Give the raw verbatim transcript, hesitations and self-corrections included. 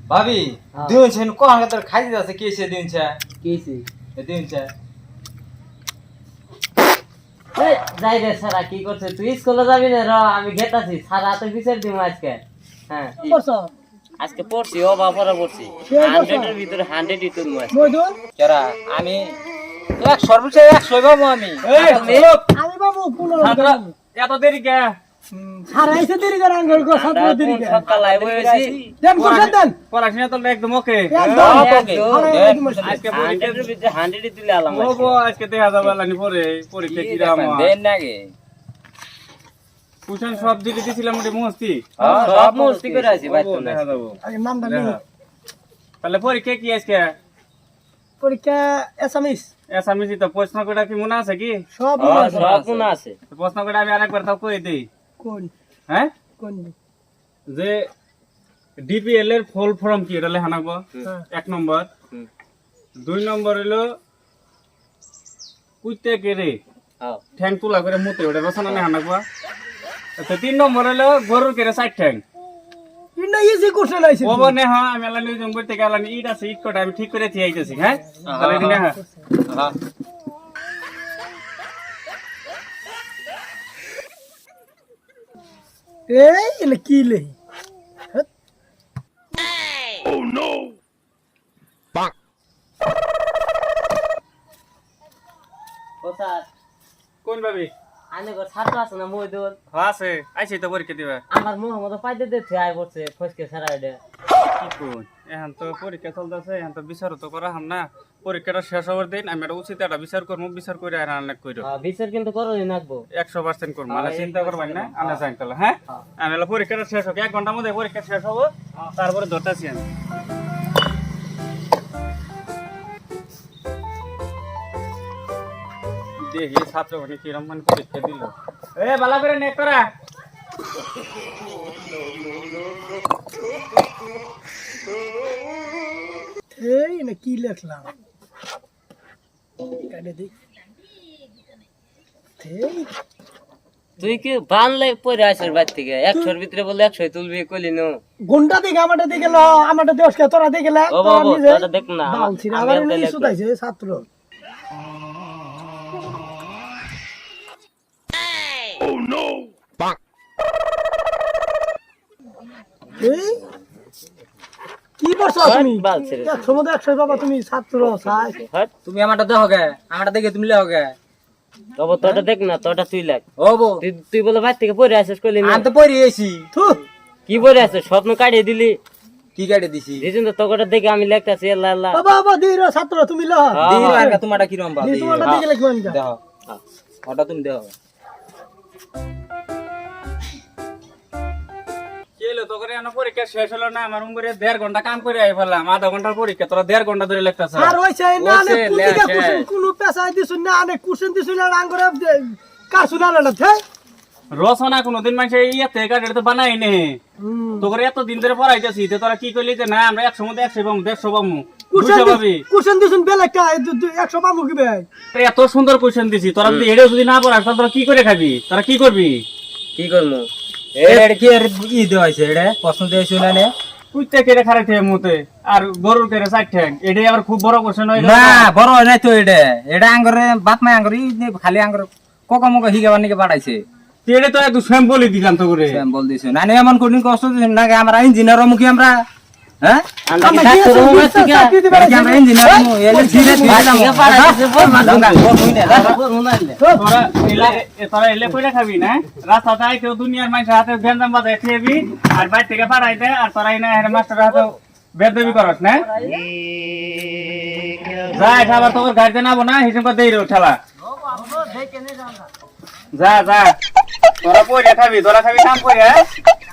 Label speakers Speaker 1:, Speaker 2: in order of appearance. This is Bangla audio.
Speaker 1: ভাবি দিনছেন কোন তোর খাইতে যাচ্ছে কেসে দিনছে
Speaker 2: কেসে
Speaker 1: দিনছে
Speaker 2: এ যাই রে সারা কি করছিস তুই স্কুলে যাবি না র আমি গেতাছি সারা তো বিচার দিমু আজকে হ্যাঁ
Speaker 3: কি করছ
Speaker 2: আজকে পড়ছি ও বাপরা পড়ছি একশো এর ভিতরে একশো ই তুই মাস
Speaker 3: মইদুল
Speaker 1: কেরা আমি এক সর্বোচ্চ একশো পাবো আমি
Speaker 3: আমি বাবু কোন
Speaker 1: এত দেরি কে
Speaker 3: হারাইছে দেরি করে আঙ্গুল গো ছাত্র দেরি করে
Speaker 2: সকাল লাইভ হয়েছি
Speaker 3: দেন কোশ্চেন দেন
Speaker 1: পড়াশোনা তো একদম ওকে
Speaker 3: একদম
Speaker 1: আজকে
Speaker 2: একশো এর ভিতরে একশো ই তুই আলাম
Speaker 1: ও গো আজকে দেখা যাবে লানি পরে পরীক্ষা কি রাম
Speaker 2: দেন নাগে
Speaker 1: কুশন সব দিকে দিছিলাম ওটা মস্তি
Speaker 2: সব মস্তি করে আছি ভাই তো
Speaker 1: দেখা যাবো
Speaker 3: আগে নামটা নেই
Speaker 1: তাহলে পরীক্ষা কি আজকে
Speaker 3: পরীক্ষা এসামিস
Speaker 1: এসামিজি তো প্রশ্ন কটা কি মনে আছে কি
Speaker 3: সব
Speaker 2: সব কোন আছে
Speaker 1: প্রশ্ন কটা আমি আরেকবার তাও কই দেই
Speaker 3: কোন
Speaker 1: হ্যাঁ
Speaker 3: কোন
Speaker 1: যে ডিপিএল এর ফুল ফর্ম কি এটা লেখা নাগবো এক নম্বর দুই নম্বর হলো কুইতে কেরে
Speaker 2: হ্যাঁ
Speaker 1: ঠ্যাং তুলা করে মুতে ওটা রচনা লেখা নাগবো আচ্ছা তিন নম্বর হলো গরুর কেরে সাইড ঠ্যাং
Speaker 3: ইন্না ইজি কোশ্চেন আইছে
Speaker 1: ও বনে হ্যাঁ আমি আলানি জম করতে গেলাম ইট আছে ইট কটা আমি ঠিক করে থি আইতেছি হ্যাঁ তাহলে দিন হ্যাঁ হ্যাঁ
Speaker 3: এই এলে কি লে
Speaker 2: কোথা
Speaker 1: কোন ভাবি
Speaker 2: আনে গো ছাত্র আছে না মইদুল
Speaker 1: হ্যাঁ আছে আইছি তো পরীক্ষা দিবা
Speaker 2: আমার মোহাম্মদ পাইতে দিতে আই পড়ছে ফসকে সারা এটা
Speaker 1: কি কোন এখন তো পরীক্ষা চলতেছে এখন তো বিচার তো করা হাম না পরীক্ষাটা শেষ হওয়ার দিন আমি একটা উচিত একটা বিচার করবো বিচার করে আর অনেক কইরো
Speaker 2: বিচার কিন্তু করোনি নাকবো
Speaker 1: একশো পার্সেন্ট করবো মানে চিন্তা করবেন না আমরা যাই তাহলে হ্যাঁ আমি হলো পরীক্ষাটা শেষ হোক এক ঘন্টার মধ্যে পরীক্ষা শেষ হবো তারপরে ধরতেছি আমি দেখি ছাত্র মানে কিরম মানে পরীক্ষা দিল এ বালা করে নেক করা
Speaker 3: এই না কি লেখলাম কাটে দেখ এই
Speaker 2: তুই কি বানলে পড়ে আসিস বাড়ি থেকে একশোর ভিতরে বলে একশো তুলবি কইলি নো
Speaker 3: গুন্ডা দিকে আমারটা দিকে ল আমারটা দেশকে তোরা দিকে লা
Speaker 2: ও বাবা তোরা দেখ না
Speaker 3: বালছি আবার এই সুদাইছে ছাত্র এই কি করছো তুমি
Speaker 2: বালছি রে।
Speaker 3: একশো মধ্যে একশো বাবা তুমি ছাত্র সাই
Speaker 2: হট
Speaker 1: তুমি আমারটা দেখো গে আমারটা দেখে তুমি লেও গে
Speaker 2: তবে তোটা দেখ না তোটা তুই লাগ
Speaker 1: ও বো
Speaker 2: তুই তুই বলে বাড়ি থেকে পড়ে আসিস কইলি না
Speaker 1: আমি তো পড়ে এসি
Speaker 3: থু
Speaker 2: কি পড়ে আসিস স্বপ্ন কাটিয়ে দিলি
Speaker 1: কি কাটে দিছি
Speaker 2: দিদিন তো তোটা দেখে আমি লেখতাছি আল্লাহ আল্লাহ
Speaker 3: বাবা বাবা দির ছাত্র তুমি ল
Speaker 1: দিই আর তোমারটা কিরম বাল
Speaker 3: দি তোমারটা দিকে লিখবেন কা
Speaker 1: দেখো ওটা তুমি দেখো কেলো তো করে আনো পরীক্ষা শেষ হলো না আমার উমরে দেড় ঘন্টা কাম করে আই ফেললাম আধা ঘন্টার পরীক্ষা তোরা দেড় ঘন্টা ধরে লেখতাছ
Speaker 3: আর ওইছে না নে
Speaker 1: ওইছে,
Speaker 3: কুদিকে
Speaker 1: লেখে।
Speaker 3: কুসুন কোন পেশায় দিছুন না নে কুসুন দিছুন না আঙ্গুরে কাসুনা না থে
Speaker 1: রচনা কোনদিন মানুষে ইয়াতে কাটে তো বানাই নে তো করে এত দিন ধরে পড়াইতেছি তো তোরা কি কইলি যে না আমরা একশো মধ্যে একশো পাবো দেড়শো পাবো
Speaker 3: কুসুন
Speaker 1: দুশো পাবি
Speaker 3: কুসুন দিছুন বেলে কা একশো পাবো কি বে
Speaker 1: এত সুন্দর কোয়েশ্চেন দিছি তোরা যদি এড়ে যদি না পড়াস তাহলে তোরা কি করে খাবি তোরা কি করবি
Speaker 2: কি করবো
Speaker 1: এটা কি আর ই দেওয়াইছে এটা প্রশ্ন দিয়েছে না নে কুইতে কেড়ে খারাইতে মুতে আর গরুর কেড়ে সাইড ঠ্যাং এটাই আবার খুব বড় কোশ্চেন হইলো
Speaker 4: না বড় হয় নাই তো এটা এটা আঙ্গরে বাপ মা আঙ্গরে খালি আঙ্গরে কোকা মোকা হিগাবার নাকি বাড়াইছে
Speaker 1: এটা তো একটু স্যাম্পলই দিলাম তো করে
Speaker 4: আমি বল দিছি না এমন কোনদিন কষ্ট দিছেন না আমরা ইঞ্জিনিয়ার মুখী আমরা হ্যাঁ
Speaker 2: আমরা
Speaker 3: আমরা
Speaker 2: কি
Speaker 3: কি
Speaker 2: ডাক্তার হবো
Speaker 3: আছে
Speaker 2: আজকে?
Speaker 3: চাকরি দিবে
Speaker 4: এটা কি আমরা ইঞ্জিনিয়ার মু এলে ধীরে ধীরে
Speaker 2: বাড়ি থেকে পাঠাইছে, বল না,
Speaker 4: দাম
Speaker 2: বল
Speaker 4: বল হইনে
Speaker 2: বল না লে।
Speaker 1: তোরা এলে এ- তোরা এলে কইরা খাবি না রাস্তাতে আইতে দুনিয়ার মানুষের হাতে গেঞ্জাম বাজায় খেবি আর বাইরে থেকে পাঠাইতে আর তোরা এনে হেড মাস্টারের হাতে বেদবি করস না যা ঠালা তোর গাড়িতে নাবো না হিসেব করে দেই রে ঠালা যা যা তোরা পয়রা খাবি তোরা খাবি কাম করে